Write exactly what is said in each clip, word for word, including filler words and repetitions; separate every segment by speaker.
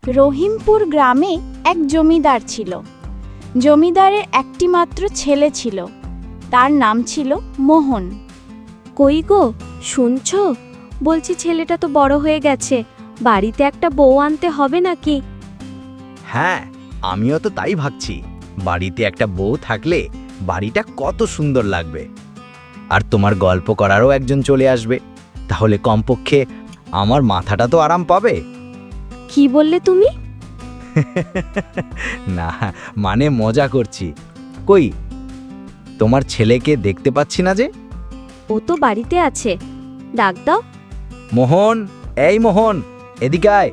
Speaker 1: রহিমপুর গ্রামে এক জমিদার ছিল। জমিদারের একটি মাত্র ছেলে ছিল, তার নাম ছিল মোহন।
Speaker 2: কই গো, শুনছো? বলছি ছেলেটা তো বড় হয়ে গেছে, বাড়িতে একটা বউ আনতে হবে নাকি?
Speaker 3: হ্যাঁ, আমিও তো তাই ভাবছি। বাড়িতে একটা বউ থাকলে বাড়িটা কত সুন্দর লাগবে। আর তোমার গল্প করারও একজন চলে আসবে, তাহলে কমপক্ষে আমার মাথাটা তো আরাম পাবে।
Speaker 2: কি বললে তুমি?
Speaker 3: না, মানে মজা করছি। কই, তোমার ছেলেকে দেখতে পাচ্ছি না যে?
Speaker 2: ও তো বাড়িতে আছে, ডাক দাও।
Speaker 3: মোহন, এই মোহন, এদিকে আয়।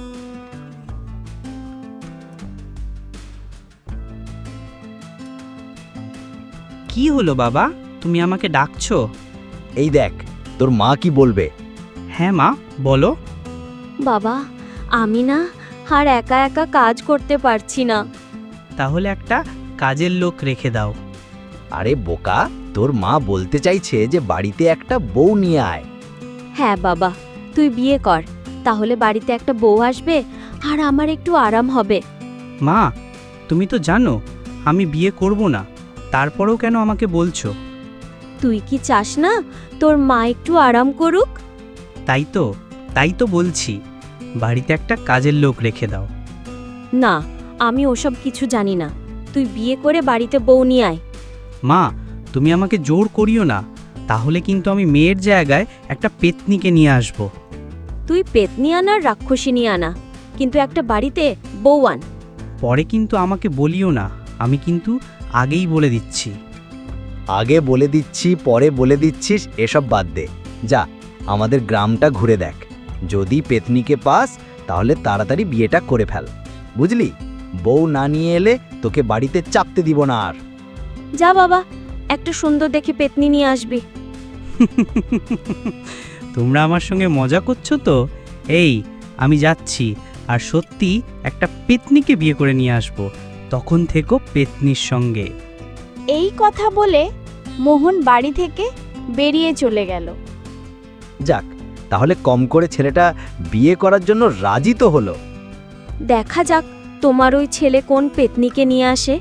Speaker 4: কি হলো বাবা, তুমি আমাকে ডাকছো?
Speaker 3: এই দেখ, তোর মা কি বলবে।
Speaker 4: হ্যাঁ মা, বলো।
Speaker 2: বাবা, আমি না আর একা একা কাজ করতে পারছি না।
Speaker 4: তাহলে একটা কাজের লোক রেখে দাও।
Speaker 3: আরে বোকা, তোর মা বলতে চাইছে যে বাড়িতে একটা বউ নিয়ে আয়।
Speaker 2: হ্যাঁ বাবা, তুই বিয়ে কর, তাহলে বাড়িতে একটা বউ আসবে আর আমার একটু আরাম হবে।
Speaker 4: মা, তুমি তো জানো আমি বিয়ে করব না, তারপরেও কেন আমাকে বলছো?
Speaker 2: তুই কি চাস না তোর মা একটু আরাম করুক?
Speaker 4: তাই তো তাই তো বলছি, বাড়িতে একটা কাজের লোক রেখে দাও।
Speaker 2: না, আমি ওসব কিছু জানি না, তুই বিয়ে করে বাড়িতে বউ নিয়ে আয়।
Speaker 4: মা, তুমি আমাকে জোর করিও না, তাহলে কিন্তু আমি মেয়ের জায়গায় একটা পেতনিকে নিয়ে আসব।
Speaker 2: তুই পেতনি আনা আর রাক্ষসিনী আনা, কিন্তু একটা বাড়িতে বউ আন।
Speaker 4: পরে কিন্তু আমাকে বলিও না, আমি কিন্তু আগেই বলে দিচ্ছি।
Speaker 3: আগে বলে দিচ্ছি, পরে বলে দিচ্ছিস, এসব বাদ দে। যা, আমাদের গ্রামটা ঘুরে দেখ। যদি পেতনিকে পাস তাহলে তাড়াতাড়ি বিয়েটা করে ফেল, বুঝলি? বউ না নিয়ে এলে তোকে বাড়িতে চাপতে দিব না আর।
Speaker 2: যা বাবা, একটা সুন্দর দেখে পেতনি নিয়ে আসবি।
Speaker 4: তোমরা আমার সঙ্গে মজা করছো তো? এই, আমি যাচ্ছি, আর সত্যি একটা পেতনিকে বিয়ে করে নিয়ে আসবো, তখন থেকো পেতনির সঙ্গে।
Speaker 1: এই কথা বলে মোহন বাড়ি থেকে বেরিয়ে চলে গেল।
Speaker 3: যাক, তাহলে কম করে ছেলেটা বিয়ে করার জন্য রাজি তো হলো।
Speaker 2: দেখা যাক তোমার ওই ছেলে কোন পেতনিকে নিয়ে আসে।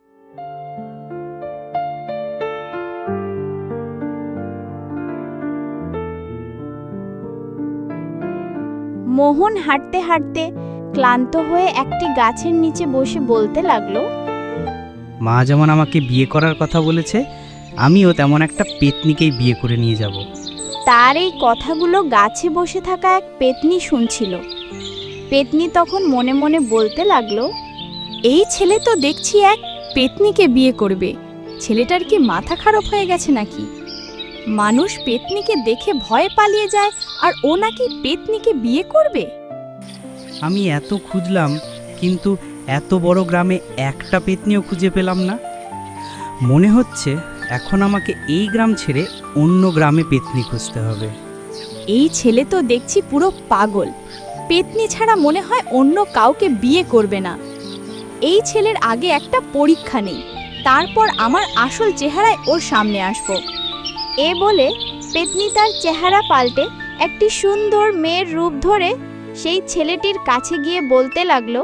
Speaker 1: মোহন হাঁটতে হাঁটতে ক্লান্ত হয়ে একটি গাছের নিচে বসে বলতে লাগলো,
Speaker 4: মা যেমন আমাকে বিয়ে করার কথা বলেছে, আমিও তেমন একটা পেতনিকেই বিয়ে করে নিয়ে যাব।
Speaker 1: তার এই কথাগুলো গাছে বসে থাকা এক পেতনি শুনছিল। পেতনি তখন মনে মনে বলতে লাগলো, এই ছেলে তো দেখছি এক পেতনিকে বিয়ে করবে। ছেলেটার কি মাথা খারাপ হয়ে গেছে নাকি? মানুষ পেতনিকে দেখে ভয়ে পালিয়ে যায়, আর ও নাকি পেতনিকে বিয়ে করবে।
Speaker 4: আমি এত খুঁজলাম, কিন্তু এত বড় গ্রামে একটা পেতনিও খুঁজে পেলাম না। মনে হচ্ছে এখন আমাকে এই গ্রাম ছেড়ে অন্য গ্রামে পেতনি খুঁজতে হবে।
Speaker 1: এই ছেলে তো দেখছি পুরো পাগল। পেতনি ছাড়া মনে হয় অন্য কাউকে বিয়ে করবে না। এই ছেলের আগে একটা পরীক্ষা নেই, তারপর আমার আসল চেহারায় ওর সামনে আসব। এ বলে পেতনি তার চেহারা পাল্টে একটি সুন্দর মেয়ের রূপ ধরে সেই ছেলেটির কাছে গিয়ে বলতে লাগলো,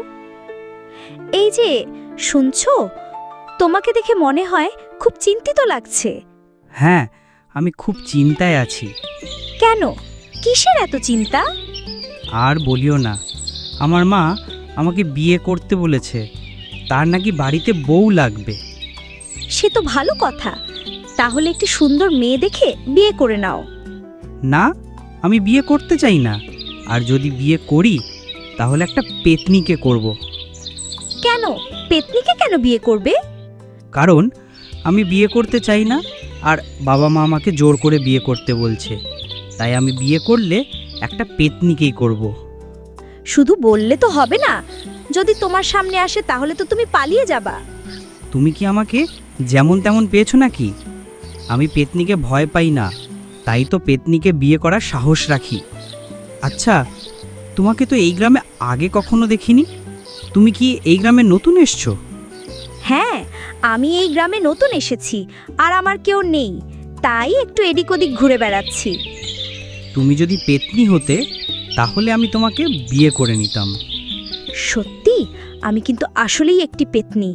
Speaker 2: এই যে শুনছো, তোমাকে দেখে মনে হয় খুব চিন্তিত লাগছে।
Speaker 4: হ্যাঁ, আমি খুব চিন্তায় আছি।
Speaker 2: কেন, কিসের এত চিন্তা?
Speaker 4: আর বলিও না, আমার মা আমাকে বিয়ে করতে বলেছে, তার নাকি বাড়িতে বউ লাগবে।
Speaker 2: সে তো ভালো কথা, তাহলে একটি সুন্দর মেয়ে দেখে বিয়ে করে নাও।
Speaker 4: না, আমি বিয়ে করতে চাই না, আর যদি বিয়ে করি তাহলে একটা পেতনিকে করব।
Speaker 2: কেন, পেতনিকে কেন বিয়ে করবে?
Speaker 4: কারণ আমি বিয়ে করতে চাই না, আর বাবা মা আমাকে জোর করে বিয়ে করতে বলছে, তাই আমি বিয়ে করলে একটা পেতনিকেই করব।
Speaker 2: শুধু বললে তো হবে না, যদি তোমার সামনে আসে তাহলে তো তুমি পালিয়ে যাবা।
Speaker 4: তুমি কি আমাকে যেমন তেমন পেয়েছো নাকি? আমি পেতনিকে ভয় পাই না, তাই তো পেতনিকে বিয়ে করার সাহস রাখি। আচ্ছা, তোমাকে তো এই গ্রামে আগে কখনো দেখিনি, তুমি কি এই গ্রামে নতুন এসছো?
Speaker 2: হ্যাঁ, আমি এই গ্রামে নতুন এসেছি, আর আমার কেউ নেই, তাই একটু এদিক ওদিক ঘুরে বেড়াচ্ছি।
Speaker 4: তুমি যদি পেতনি হতে তাহলে আমি তোমাকে বিয়ে করে নিতাম।
Speaker 2: সত্যি আমি কিন্তু আসলেই একটি পেতনি।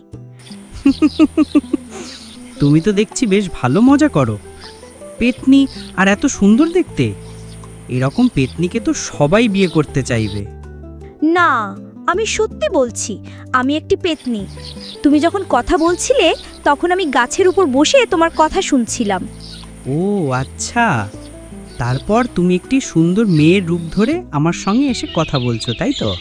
Speaker 4: তুমি তো দেখছি বেশ ভালো মজা করো। পেতনি আর এত সুন্দর দেখতে, এরকম পেতনিকে তো সবাই বিয়ে করতে চাইবে।
Speaker 2: না, আমি সত্যি বলছি আমি একটি পেতনি। তুমি যখন কথা বলছিলে তখন আমি গাছের উপর বসে তোমার কথা শুনছিলাম।
Speaker 4: ও আচ্ছা, তারপর তুমি একটি সুন্দর মেয়ের রূপ ধরে আমার সঙ্গে এসে কথা বলছো, তাই তো?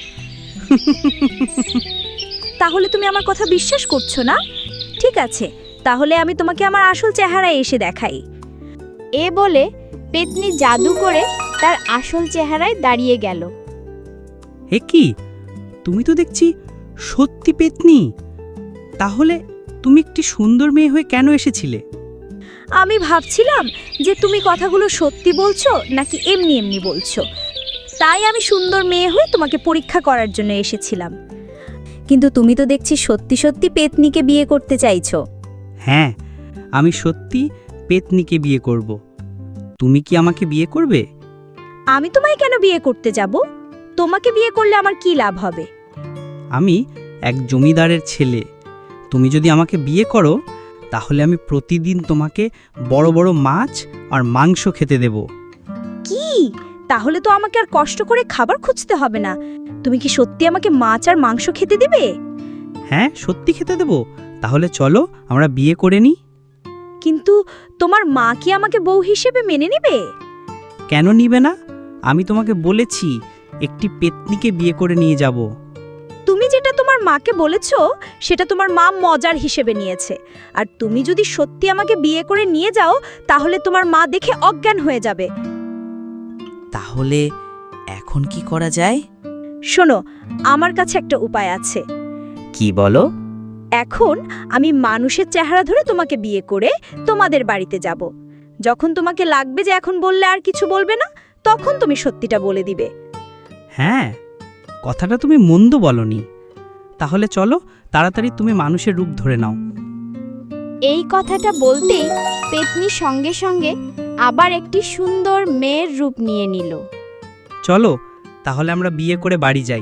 Speaker 2: তাহলে তুমি আমার কথা বিশ্বাস করছো না? ঠিক আছে, তাহলে আমি তোমাকে আমার আসল চেহারায় এসে দেখাই।
Speaker 1: এ বলে পেতনি জাদু করে তার আসল চেহারায় দাঁড়িয়ে গেল।
Speaker 4: এ কি, তুমি তো দেখছি সত্যি পেতনি। তাহলে তুমি একটি সুন্দর মেয়ে হয়ে কেন এসেছিলে?
Speaker 2: আমি ভাবছিলাম যে তুমি কথাগুলো সত্যি বলছো নাকি এমনি এমনি বলছো, তাই আমি সুন্দর মেয়ে হয়ে তোমাকে পরীক্ষা করার জন্য এসেছিলাম। কিন্তু তুমি তো দেখছি সত্যি সত্যি পেতনিকে বিয়ে করতে চাইছো।
Speaker 4: হ্যাঁ, আমি সত্যি পেতনিকে বিয়ে করব। তুমি কি আমাকে বিয়ে করবে?
Speaker 2: আমি তোমায় কেন বিয়ে করতে যাব? তোমাকে বিয়ে করলে আমার কি লাভ হবে?
Speaker 4: আমি এক জমিদারের ছেলে। তুমি যদি আমাকে বিয়ে করো তাহলে আমি প্রতিদিন তোমাকে বড় বড় মাছ আর মাংস খেতে দেব।
Speaker 2: কি? তাহলে তো আমাকে আর কষ্ট করে খাবার খুঁজতে হবে না। তুমি কি সত্যি আমাকে মাছ আর মাংস খেতে দিবে?
Speaker 4: হ্যাঁ, সত্যি খেতে দেব। তাহলে চলো আমরা বিয়ে করে নিই।
Speaker 2: কিন্তু তোমার মা কি আমাকে বউ হিসেবে মেনে নেবে?
Speaker 4: কেন নিবে না? আমি তোমাকে বলেছি একটি পেতনিকে বিয়ে করে নিয়ে যাব।
Speaker 2: তুমি যেটা তোমার মাকে বলেছো সেটা তোমার মা মজার হিসেবে নিয়েছে। আর তুমি যদি সত্যি আমাকে বিয়ে করে নিয়ে যাও তাহলে তোমার মা দেখে অজ্ঞান হয়ে যাবে।
Speaker 5: তাহলে এখন কি করা যায়?
Speaker 2: শোনো, আমার কাছে একটা উপায় আছে।
Speaker 5: কি বলো?
Speaker 2: এখন আমি মানুষের চেহারা ধরে তোমাকে বিয়ে করে তোমাদের বাড়িতে যাব। যখন তোমাকে লাগবে যে এখন বললে আর কিছু বলবে না, তখন তুমি সত্যিটা বলে দিবে।
Speaker 4: হ্যাঁ, কথাটা তুমি মন্দ বলনি। তাহলে চলো তাড়াতাড়ি তুমি মানুষের রূপ ধরে নাও।
Speaker 1: এই কথাটা বলতেই পেতনি সঙ্গে সঙ্গে আবার একটি সুন্দর মেয়ের রূপ নিয়ে নিল।
Speaker 4: চলো তাহলে আমরা বিয়ে করে বাড়ি যাই।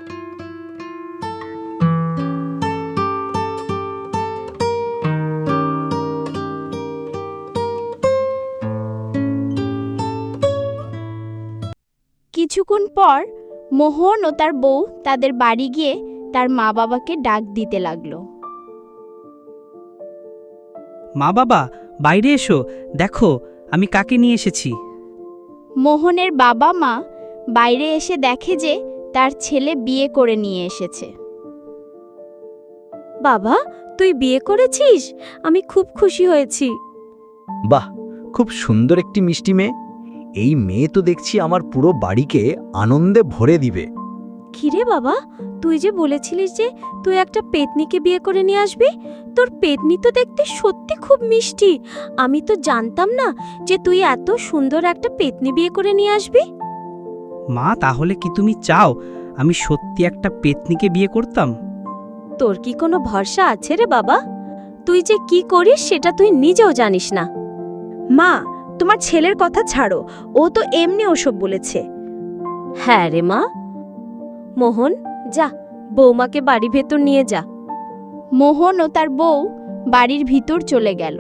Speaker 1: কিছুক্ষণ পর মোহন ও তার বউ তাদের বাড়ি গিয়ে তার মা বাবাকে ডাক দিতে লাগলো।
Speaker 4: মা বাবা, বাইরে এসো, দেখো আমি কাকে নিয়ে এসেছি।
Speaker 1: মোহনের বাবা মা বাইরে এসে দেখে যে তার ছেলে বিয়ে করে নিয়ে এসেছে।
Speaker 2: বাবা, তুই বিয়ে করেছিস? আমি খুব খুশি হয়েছি।
Speaker 3: বাহ, খুব সুন্দর একটি মিষ্টি মেয়ে। এই মেয়ে তো দেখছি আমার পুরো বাড়িকে আনন্দে ভরে দিবে।
Speaker 2: কিরে বাবা, তুই যে বলেছিলিস যে তুই একটা পেতনিকে বিয়ে করে নিয়ে আসবি, তোর পেতনি তো দেখতে সত্যি খুব মিষ্টি। আমি তো জানতাম না যে তুই এত সুন্দর একটা পেতনি বিয়ে করে নিয়ে আসবি।
Speaker 4: মা, তাহলে কি তুমি চাও আমি সত্যি একটা পেতনিকে বিয়ে করতাম?
Speaker 2: তোর কি কোনো ভরসা আছে রে বাবা? তুই যে কি করিস সেটা তুই নিজেও জানিস না। মা, তোমার ছেলের কথা ছাড়ো, ও তো এমনি ওসব বলেছে। হ্যাঁ রে মা। মোহন, যা বৌমাকে বাড়ি ভেতর নিয়ে যা।
Speaker 1: মোহন ও তার বউ বাড়ির ভিতর চলে গেল।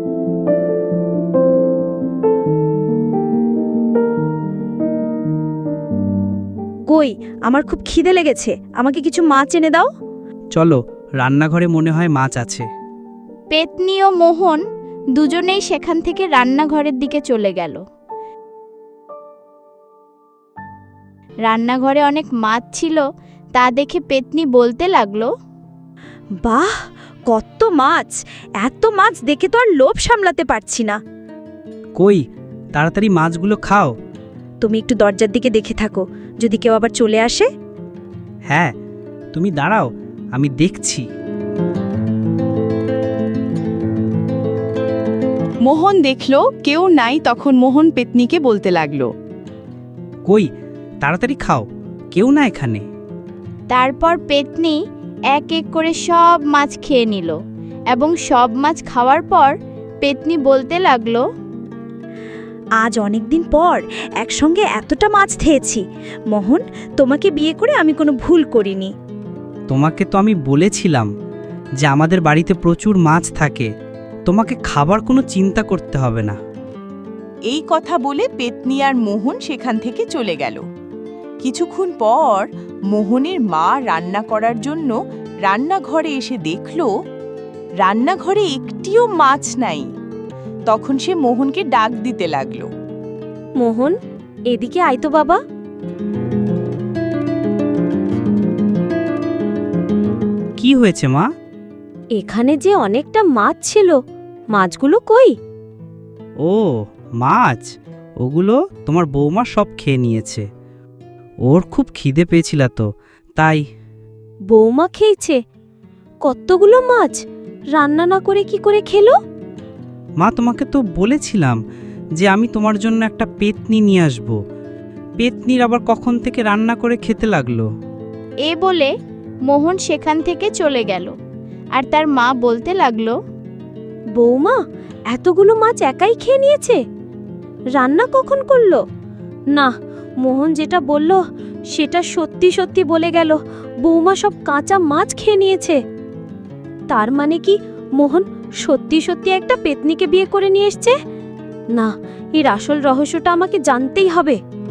Speaker 2: কই, আমার খুব খিদে লেগেছে, আমাকে কিছু মাছ এনে দাও।
Speaker 4: চলো, রান্নাঘরে মনে হয় মাছ আছে।
Speaker 1: পেতনি ও মোহন দুজনেই সেখান থেকে রান্নাঘরের দিকে চলে গেল। রান্নাঘরে অনেক মাছ ছিল, তা দেখে পেতনি বলতে লাগলো,
Speaker 2: বাহ, কত মাছ! এত মাছ দেখে তো আর লোভ সামলাতে পারছি না।
Speaker 4: কই, তাড়াতাড়ি মাছগুলো খাও।
Speaker 2: তুমি একটু দরজার দিকে দেখে থাকো, যদি কেউ আবার চলে আসে।
Speaker 4: হ্যাঁ, তুমি দাঁড়াও, আমি দেখছি।
Speaker 6: মোহন দেখল কেউ নাই, তখন মোহন পেতনিকে বলতে লাগলো,
Speaker 4: কই, তাড়াতাড়ি খাও, কেউ না এখানে।
Speaker 1: তারপর পেতনি এক এক করে সব মাছ খেয়ে নিল এবং সব মাছ খাওয়ার পর পেতনি বলতে লাগলো,
Speaker 2: আজ অনেক দিন পর একসঙ্গে এতটা মাছ খেয়েছি। মোহন, তোমাকে বিয়ে করে আমি কোনো ভুল করিনি।
Speaker 4: তোমাকে তো আমি বলেছিলাম যে আমাদের বাড়িতে প্রচুর মাছ থাকে, তোমাকে খাবার কোনো চিন্তা করতে হবে না।
Speaker 6: এই কথা বলে পেতনি আর মোহন সেখান থেকে চলে গেল। কিছুক্ষণ পর মোহনের মা রান্না করার জন্য রান্নাঘরে এসে দেখল রান্নাঘরে একটিও মাছ নাই। তখন সে মোহনকে ডাক দিতে লাগলো।
Speaker 2: মোহন, এদিকে আয় তো বাবা।
Speaker 4: কি হয়েছে মা?
Speaker 2: এখানে যে অনেকটা মাছ ছিল, মাছগুলো কই?
Speaker 4: ও মাছ, ওগুলো তোমার বৌমা সব খেয়ে নিয়েছে। ওর খুব খিদে পেয়েছিল তো, তাই।
Speaker 2: বৌমা খেয়েছে? কতগুলো মাছ রান্না না করে কি করে খেলো?
Speaker 4: মা, তোমাকে তো বলেছিলাম যে আমি তোমার জন্য একটা পেতনি নিয়ে আসব। পেতনির আবার কখন থেকে রান্না করে খেতে লাগলো।
Speaker 1: এ বলে মোহন সেখান থেকে চলে গেল আর তার মা বলতে লাগলো,
Speaker 2: বৌমা এতগুলো মাছ একাই খেয়ে নিয়েছে? রান্না কখন করলো? না, মোহন যেটা বলল সেটা সত্যি সত্যি বলে গেল। বৌমা সব কাঁচা মাছ খেয়ে নিয়েছে। তার মানে কি মোহন সত্যি সত্যি একটা পেতনিকে বিয়ে করে নিয়ে এসছে? না, এর আসল রহস্যটা আমাকে জানতেই হবে।